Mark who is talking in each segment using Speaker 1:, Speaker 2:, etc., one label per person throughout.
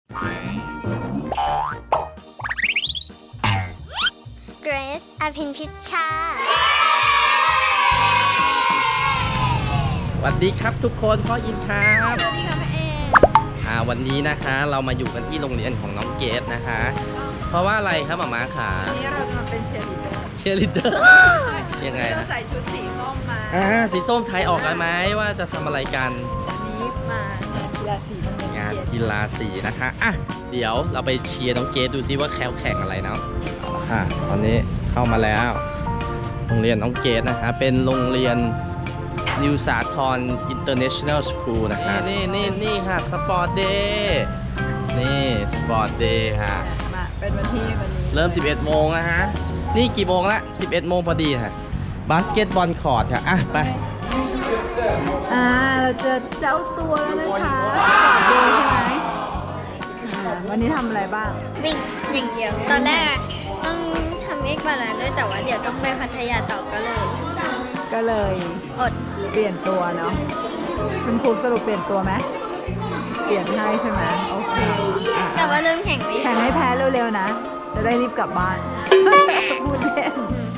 Speaker 1: เกรซอภินพิชชา
Speaker 2: สวัสดีครับทุกคนพ่ออินครับ
Speaker 3: สวัสดีค่ะแม่เอ
Speaker 2: วันนี้นะคะเรามาอยู่กันที่โรงเรียนของน้องเกดนะคะ เพราะว่าอะไรครับหม่าม้าขา
Speaker 3: วันนี้เราจะมาเป็นเชียร์ลีดเดอร์
Speaker 2: เชียร์ลีดเดอร์ยังไง
Speaker 3: เรา
Speaker 2: ฮะ
Speaker 3: ใส่ชุดสีส้มมา
Speaker 2: สีส้มไทยออกกันไหมว่าจะทำอะไรกัน
Speaker 3: วันนี้มางานกีฬาสีโรงเรียน
Speaker 2: งานกีฬาสีนะคะเดี๋ยวเราไปเชียร์น้องเกดดูซิว่าแข่งอะไรเนาะตอนนี้เข้ามาแล้วโรงเรียนน้องเกดนะคะเป็นโรงเรียนนิวสาทร International School นะคะนี่ค่ะสปอร์ตเดย์นี่สปอร์ตเดย์ค่ะ
Speaker 3: มาเป็นวันนี้
Speaker 2: เริ่ม 11 โมงนะฮะนี่กี่โมงละ 11 โมงพอดีค่ะบาสเกตบอลคอร์ตค่ะไป
Speaker 3: เราเจอเจ้าตัวแล้วนะคะสปอร์ตเดย์ใช่ไหมวันนี้ทำอะไรบ้าง
Speaker 1: วิ่งอย่างเดียวตอนแรกต้องทำเอ็กบาลานซ์ด้วยแต่ว่าเดี๋ยวต้องไปพัทยาต่อก็เลยอด
Speaker 3: เปลี่ยนตัวเนาะคุณครูสรุปเปลี่ยนตัวไหมเปลี่ยนให้ใช่ไหมโอเค
Speaker 1: แต่ว่าเริ่มแข่ง
Speaker 3: ให้แพ้เร็วๆนะจะได้รีบกลับบ้านพูดเล่น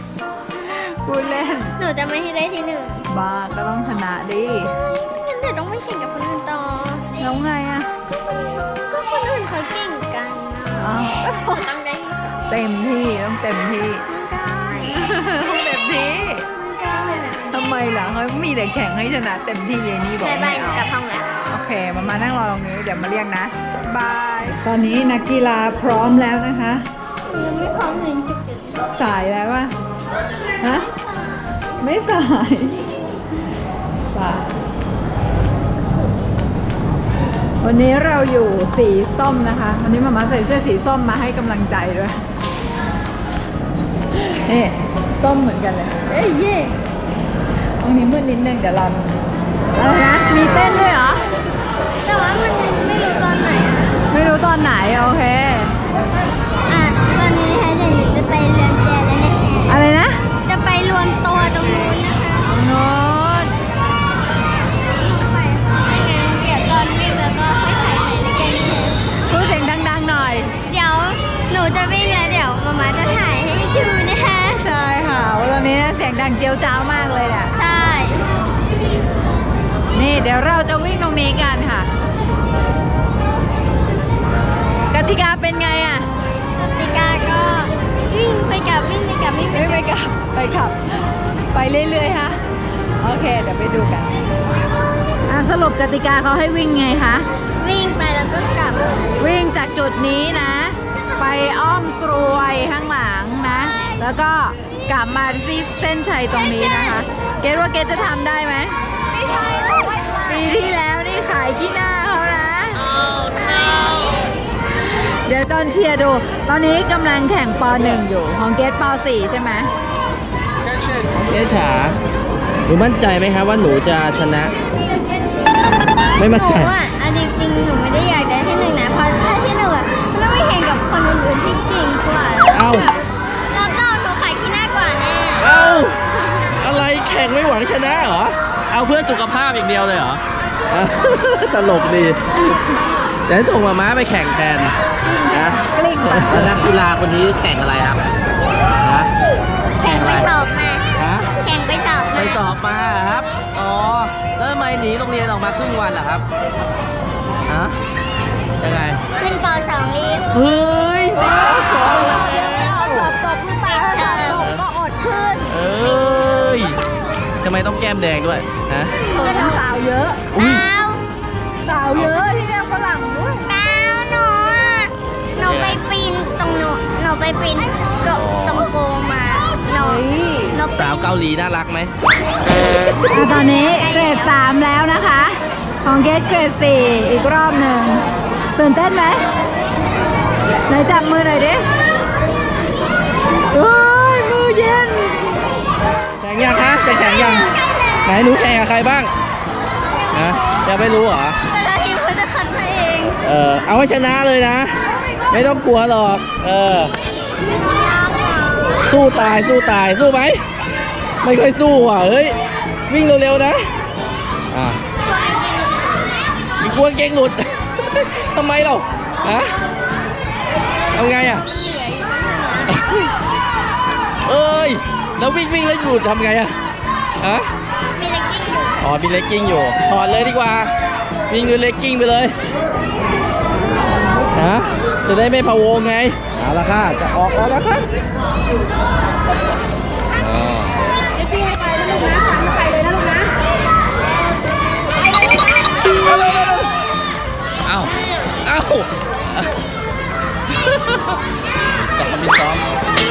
Speaker 1: หนูจะไม่ให้ได้ที่1
Speaker 3: บ้าก็ต้องชนะดิ
Speaker 1: งั้นเดี๋ยวต้องไปแข่งกับคนอื่นต่อ
Speaker 3: แล้วไง
Speaker 1: ก็คนอื่นเขาเก่งกันต้องได้ที่2
Speaker 3: เต็มที่ต้องเต็มที่ต้องเต็มที่ทำไมล่ะเขามีแต่แข่งให้ชนะเต็มที่ยายนี่บอก
Speaker 1: ไม่เอากลับห้องแล้ว
Speaker 3: โอเคมานั่งรอตรงนี้เดี๋ยวมาเรียกนะบายตอนนี้นักกีฬาพร้อมแล้วนะคะ
Speaker 1: ยังไม่พร้อมเลย
Speaker 3: สายแล้ววะฮะไม่สายวันนี้เราอยู่สีส้มนะคะวันนี้มาใส่เสื้อสีส้มมาให้กำลังใจด้วยนี่ส้มเหมือนกันเลยเย่ตรงนี้มืดนิดนึงเดี๋ยวเราอะไรนะมีเต้นด้วยเหรอ
Speaker 1: แต่ว่ามันไม่รู้ตอนไหน
Speaker 3: ไม่รู้ตอนไหนโอเค
Speaker 1: ตอนนี้นะคะจะไปเรือนแกแล้วนะคะ
Speaker 3: อะไรนะ
Speaker 1: จะไปรวมตัวตรงนู้นนะคะ
Speaker 3: โน้น
Speaker 1: ไปไม่งั้นเดี๋ยวตอนวิ่งแล้วก็ค่อยถ่ายในเกม
Speaker 3: พูดเสียงดังๆหน่อย
Speaker 1: เดี๋ยวหนูจะวิ่งแล้วเดี๋ยวมาจะถ่ายให้ดูนะคะ
Speaker 3: ใช่ค่ะตอนนี้เสียงดังเจียวจ้าวมากเลยเนี่ย
Speaker 1: ใช่
Speaker 3: นี่เดี๋ยวเราจะวิ่งตรงนี้กันค่ะกติกาเป็นไง
Speaker 1: กติกาก็วิ่งไปกลับ
Speaker 3: ไปเรื่อยๆค่ะโอเคเดี๋ยวไปดูกันสรุปกติกาเขาให้วิ่งไงคะ
Speaker 1: วิ่งไปแล้วก็กลับ
Speaker 3: วิ่งจากจุดนี้นะไปอ้อมกรวยข้างหลังนะแล้วก็กลับมาที่เส้นชัยตรงนี้นะคะเกดว่าเกดจะทำได้ไหมไม่ใช่ปีที่แล้วนี่ขายขี้หน้าเขานะเดี๋ยวจอนเชียร์ดูตอนนี้กำลังแข่งป .1 อยู่ของเกดป .4 ใช่ไหม
Speaker 2: เกดขาหนูมั่นใจไหมครับว่าหนูจะชนะไม่มั่นใจ
Speaker 1: จริงๆหนูไม่ได้อยากได้ที่1นะเพราะถ้าที่1มันต้องไปแข่งกับคนอื่นๆที่เก่งกว่าแล้วก็หนูขายขี้หน้ากว่าแน่
Speaker 2: อะไรแข่งไม่หวังชนะเหรอเอาเพื่อสุขภาพอย่างเดียวเลยเหรอตลกดีเดี๋ยวส่งมาม้าไปแข่งแทนนะแล้วนักกีฬาคนนี้แข่งอะไรครับนะ
Speaker 1: แข่งไปสอบมาแข่งไปสอบ
Speaker 2: มาครับแล้วทำไมหนีโรงเรียนออกมาครึ่งวันล่ะครับยังไง
Speaker 1: ขึ้นป .2 รีบ
Speaker 2: เฮ้ยป .2 แล้ว
Speaker 3: สอบตกหรือเปล่าสอบตกก็อดขึ้น
Speaker 2: ทำไมต้องแก้มแดงด้วย
Speaker 3: ก็สาวเยอะสาวเยอะที่เนี่ยฝรั่งด้วย
Speaker 1: หนูไปปีนตรงหนูไปปีนตรงโกมา
Speaker 2: สาวเกาหลีน่ารักไหม
Speaker 3: ตอนนี้เกรด 3แล้วนะคะของเกรด 4อีกรอบหนึ่งตื่นเต้นไหมไหนจับมือหน่อยดิมือเย็น
Speaker 2: แข่งยังคะจะแข่งยังไหนหนูแข่งกับใครบ้างยังไม่รู้เหรอ
Speaker 1: แต่ทีมเขาจะคัดมาเอง
Speaker 2: เอาให้ชนะเลยนะไม่ต้องกลัวหรอกสู้ตายสู้ไหมไม่ค่อยสู้อ่ะเฮ้ยวิ่งเร็วๆนะกลัวเก่งหลุดทำไมเราฮะเอาไงอ่ะเอ้ยแล้ววิ่งแล้วหยุดทำไงอ่ะฮะ
Speaker 1: มีเลกกิ้งอยู่
Speaker 2: อ๋อมีเลกกิ้งอยู่ถอดเลยดีกว่าวิ่งด้วยเลกกิ้งไปเลยฮะจะได้ไม่พะวงไงเอาละค่ะจะออกแล้วนะคะอ๋อ
Speaker 3: เจสซี่ให้ไปนะลูกนะสั่งไปเลยนะลูกนะ
Speaker 2: เอามีซ้อม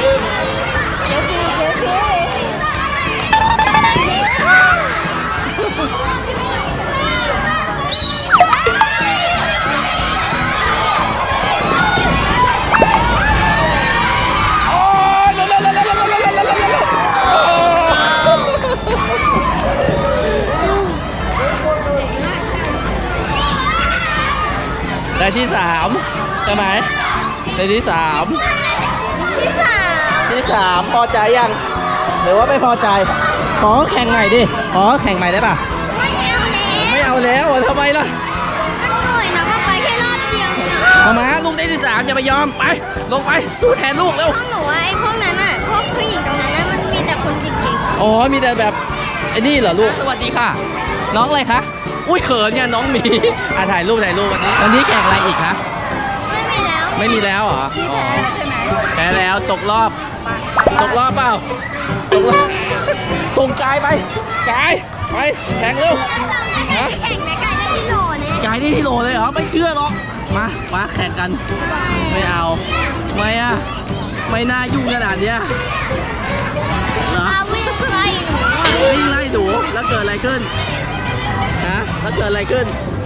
Speaker 2: ได้ที่ 3ใช่ไหมได้ที่ 3ที่ 3พอใจยังหรือว่าไม่พอใจขอแข่งใหม่ดิขอแข่งใหม่ได้ป่ะไม่เอาแล้วทำไมล่ะ
Speaker 1: มันเหนื่อยนะว่าไปแค่รอบเดียวเนี่ย
Speaker 2: เอามาลูกได้ที่ 3อย่าไปยอมไปลงไปสู้แทนลูกเร็ว
Speaker 1: พวกหนูว่าไอ้พวกนั้นอ่ะพวกผู้หญิงตรงนั้นน่ะมันมีแต่คนเก่ง
Speaker 2: อ๋อมีแต่แบบไอ้นี่เหรอลูกสวัสดีค่ะ น้องอะไรคะอุ้ยเขินเนี่ยน้องหมีถ่ายรูปวันนี้แข่งอะไรอีกคะ
Speaker 1: ๆไม่มีแล้ว
Speaker 2: ไม่มีแล้วเหรออ๋อ
Speaker 3: ใช่ไหม
Speaker 2: แพ้แล้วตกรอบเปล่าตกรอบส่งกายไปกายไปแข่งเร็ว
Speaker 1: แล้วเราไม่ได้แข่งในการเล่นที่โหลเนี่ย
Speaker 2: กายนี่ที่โหลเลยเหรอไม่เชื่อหรอกมาแข่งกันไม่เอาไม่อะไม่น่ายุ่งขนาดเนี้ยเหรอ
Speaker 1: เอาวิ่งไล่หนูอะ
Speaker 2: วิ่งไล่ดูแล้วเกิดอะไรขึ้นฮะแล้วเกิดอะไรขึ้น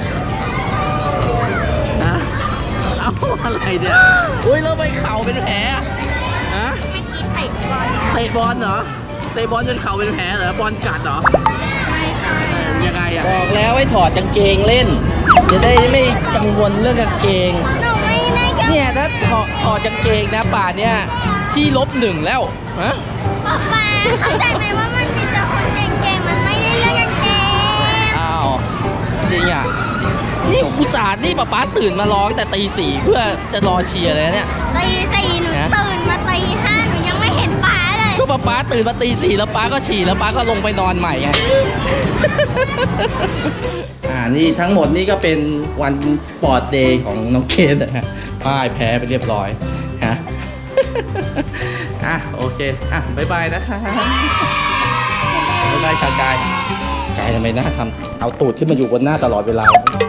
Speaker 2: ฮะเอาอะไรเนี่ยอุ้ยแล้วไปเข่าเป็นแผลฮะ
Speaker 1: ไม่กินไข่บอล
Speaker 2: เตะบอลเหรอเตะบอลจนเข่าเป็นแผลเหรอบอลกัดเหรอ
Speaker 1: ไม่ใช่
Speaker 2: ยังไงอ่ะบอกแล้วให้ถอดกางเกงเล่น จะได้ไม่กังวลเรื่องกางเกง
Speaker 1: หนูไม่ได้กัน
Speaker 2: เนี่ยถ้าถอดกางเกงนะป่านเนี่ยที่-1แล้วฮะ
Speaker 1: ป๊าป๊าเข้าใจไหมว่ามันมีแต่คนเก่งๆมันไม่ได้เลือกกางเกง
Speaker 2: อ้าวจริงอ่ะนี่อุตส่าห์นี่ป๊าตื่นมาร้องแต่ตี 4เพื่อจะรอเชียร์เลยนะเนี่ย
Speaker 1: ตีสี่หนู
Speaker 2: ฮะ
Speaker 1: ตื่นมาตีห้าหนูยังไม่เห็นป๊าเลย
Speaker 2: ก็ป๊าตื่นมาตี 4แล้วป๊าก็ฉี่แล้วป๊าก็ลงไปนอนใหม่ไง นี่ทั้งหมดนี่ก็เป็นวันสปอร์ตเดย์ของน้องเคนนะฮะป้ายแพ้ไปเรียบร้อยฮะ โอเคบ๊ายบายนะคะบ๊ายบายค่ะกายทำไมหน้าทำเอาตูดขึ้นมาอยู่บนหน้าตลอดเวลา